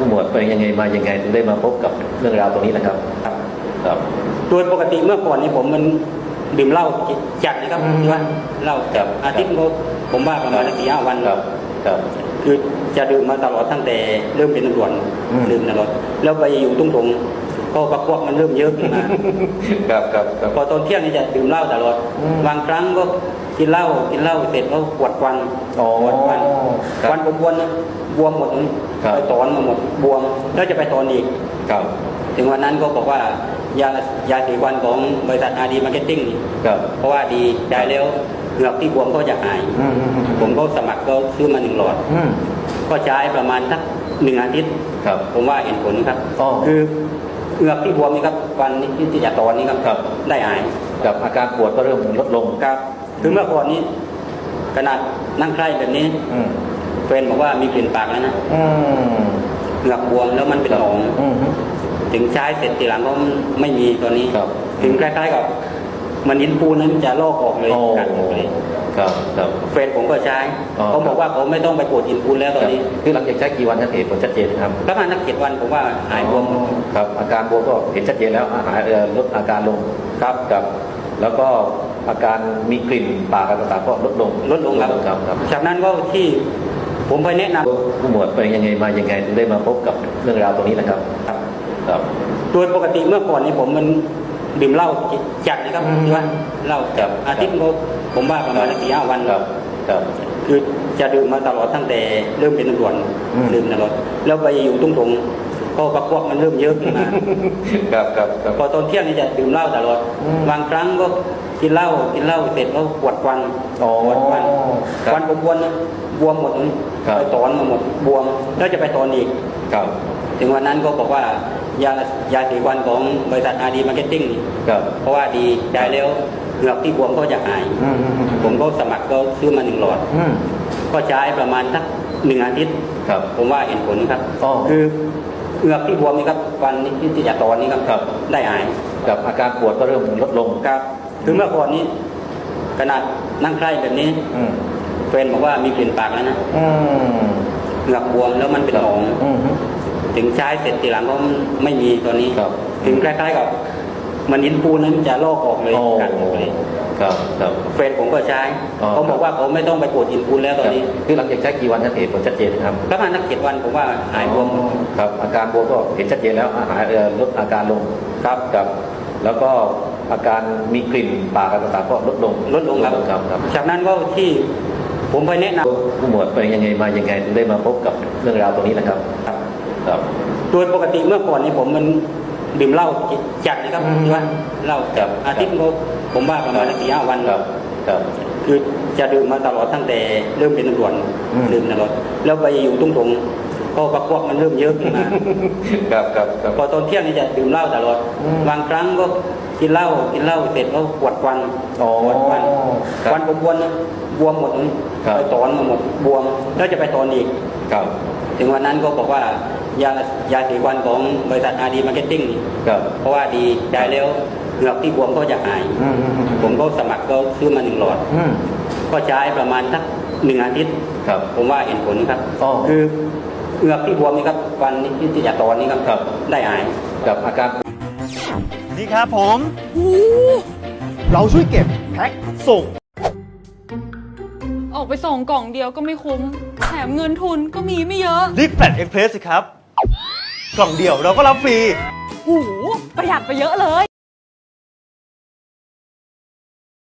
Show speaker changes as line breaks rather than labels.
ผู้หมวดเป็นยังไงมายังไงถึงได้มาพบกับเรื่องราวตรงนี้นะครับครับ
โดยปกติเมื่อก่อนนี้ผมมันดื่มเหล้าจัดนะครับที่ว่าเหล้าจับอาทิตย์ผมว่าประมาณ4-5 วัน
ครับ
คือจะดื่มมาตลอดตั้งแต่เริ่มเป็นตำรวจดื่มตลอดแล้วไปอยู่ตุ้งถงก็ประกวดมันเริ่มเยอะขึ้นมา
ครับ
พอตอนเที่ยงนี่จะดื่มเหล้าตลอดบางครั้งก็กินเหล้าเสร็จก็ปวดฟันฟันผมบวมหมดไปถอนมาหมดบวมแล้วจะไปถอนอีกถึงวันนั้นก็บอกว่ายาสีฟันของบริษัทอาดีมาร์เก็ตติ้งเพราะว่าดีใช้แล้วเหงือกที่บวมก็จะหายผมก็สมัครก็ซื้อมา1 หลอดก็ใช้ประมาณสัก1 อาทิตย์ผมว่าเห็นผลครับคือเหงือกที่บวมนี่ครับฟันที่จะตอนนี้ครับได้หาย
กับอาการปวดก็เริ่มลดลง
ครับคือเมื่อก่อนนี้ขนาดนั่งใกล้แบบนี้แฟนบอกว่ามีกลิ่นปากแล้วนะเหงือกบวมแล้วมันเป็นหนองถึงใช้เสร็จทีหลังก็ไม่มีตอนนี้ถึงใกล้ๆกับมันหินปูนนั้นจะลอกออกเลยกัดออกเลยแฟนผมก็ใช้เขาบอกว่าเขาไม่ต้องไปปวดหินปูนแล้วตอนนี้
คือหลังจากใช้กี่วันเห็นผลชัดเจนครับ
ประมาณ7 วันผมว่าหายบวม
ครับอาการบวมก็เห็นชัดเจนแล้วหายลดอาการลงครับแล้วก็อาการมีกลิ่นปากต่างๆก็ลดลง
ครับจากนั้นก็ที่ผมไปแนะน
ำผู้หมวดเป็นยังไงมายังไงถึงได้มาพบกับเรื่องราวตรงนี้นะครับ
โดยปกติเมื่อก่อนนี้ผมมันดื่มเหล้าจัดนะครับที่ว่าเหล้าจับอาทิตย์ผมว่าประมาณ4-5 วันคือจะดื่มมาตลอดตั้งแต่เริ่มเป็นตำรวจดื่มตลอดแล้วไปอยู่ตุ้งถงก็ประกวดมันเริ่มเยอะขึ้นมาพอตอนเที่ยงนี่จะดื่มเหล้าตลอดบางครั้งก็กินเหล้าเสร็จก็ปวดฟันผมบวมหมดไปถอนมาหมดบวมแล้วจะไปถอนอีกถึงวันนั้นก็บอกว่ายาสีฟันของบริษัทอาดีมาร์เก็ตติ้งเพราะว่าดีใช้แล้วเหงือกที่บวมก็จะหายผมก็สมัครก็ซื้อมา1 หลอดก็ใช้ประมาณสัก1 อาทิตย์ผมว่าเห็นผลครับคือเหงือกที่บวมนี่ครับฟันที่จะตอนนี้ครับได้หาย
กับอาการปวดก็เริ่มลดลง
ครับคือเมื่อก่อนนี้ขนาดนั่งใกล้แบบนี้แฟนบอกว่ามีกลิ่นปากแล้วนะเหงือกบวมแล้วมันเป็นหนองถึงใช้เสร็จทีหลังก็ไม่มีตอนนี้ถึงใกล้ๆกับมันหินปูนนั้นจะลอกออกเลยกัดออกเลยแฟนผมก็ใช้เขาบอกว่าเขาไม่ต้องไปปวดหินปูนแล้วตอนนี้
คือหลังจากใช้กี่วันเห็นผลชัดเจนครับ
ประมาณ7 วันผมว่าหายบวม
ครับอาการบวมก็เห็นชัดเจนแล้วหายลดอาการลงแล้วก็อาการมีกลิ่นปากต่างๆก็ลดลง
ครับจากนั้นก็ที่ผมไปแนะน
ำผู้หมวดเป็นยังไงมายังไงถึงได้มาพบกับเรื่องราวตรงนี้นะครับ
โดยปกติเมื่อก่อนนี้ผมมันดื่มเหล้าจัดนะครับที่ว่าเหล้าจับอาทิตย์ผมว่าประมาณ4-5 วันคือจะดื่มมาตลอดตั้งแต่เริ่มเป็นตำรวจดื่มตลอดแล้วไปอยู่ตุ้งถงก็ประกวดมันเริ่มเยอะขึ้นมาพอตอนเที่ยงนี่จะดื่มเหล้าตลอดบางครั้งก็กินเหล้าเสร็จก็ปวดฟันผมบวมหมดไปถอนมาหมดบวมแล้วจะไปถอนอีกถึงวันนั้นก็บอกว่ายาสีฟันของบริษัทอาดีมาร์เก็ตติ้งเพราะว่าดีใช้แล้วเหงือกที่บวมก็จะหายผมก็สมัครก็ซื้อมา1 หลอดก็ใช้ประมาณสัก1 อาทิตย์ผมว่าเห็นผลครับคือเหงือกที่บวมนี่ครับฟันที่จะตอนนี้ครับได้หาย
กับอาการ
นี่ครับผมเราช่วยเก็บแพ็คส่ง
ออกไปส่งกล่องเดียวก็ไม่คุ้มแถมเงินทุนก็มีไม่เยอะ
รีบแฟลชเอ็กเพรสสิครับกล่องเดียวเราก็รับฟรี
หูประหยัดไปเยอะเลย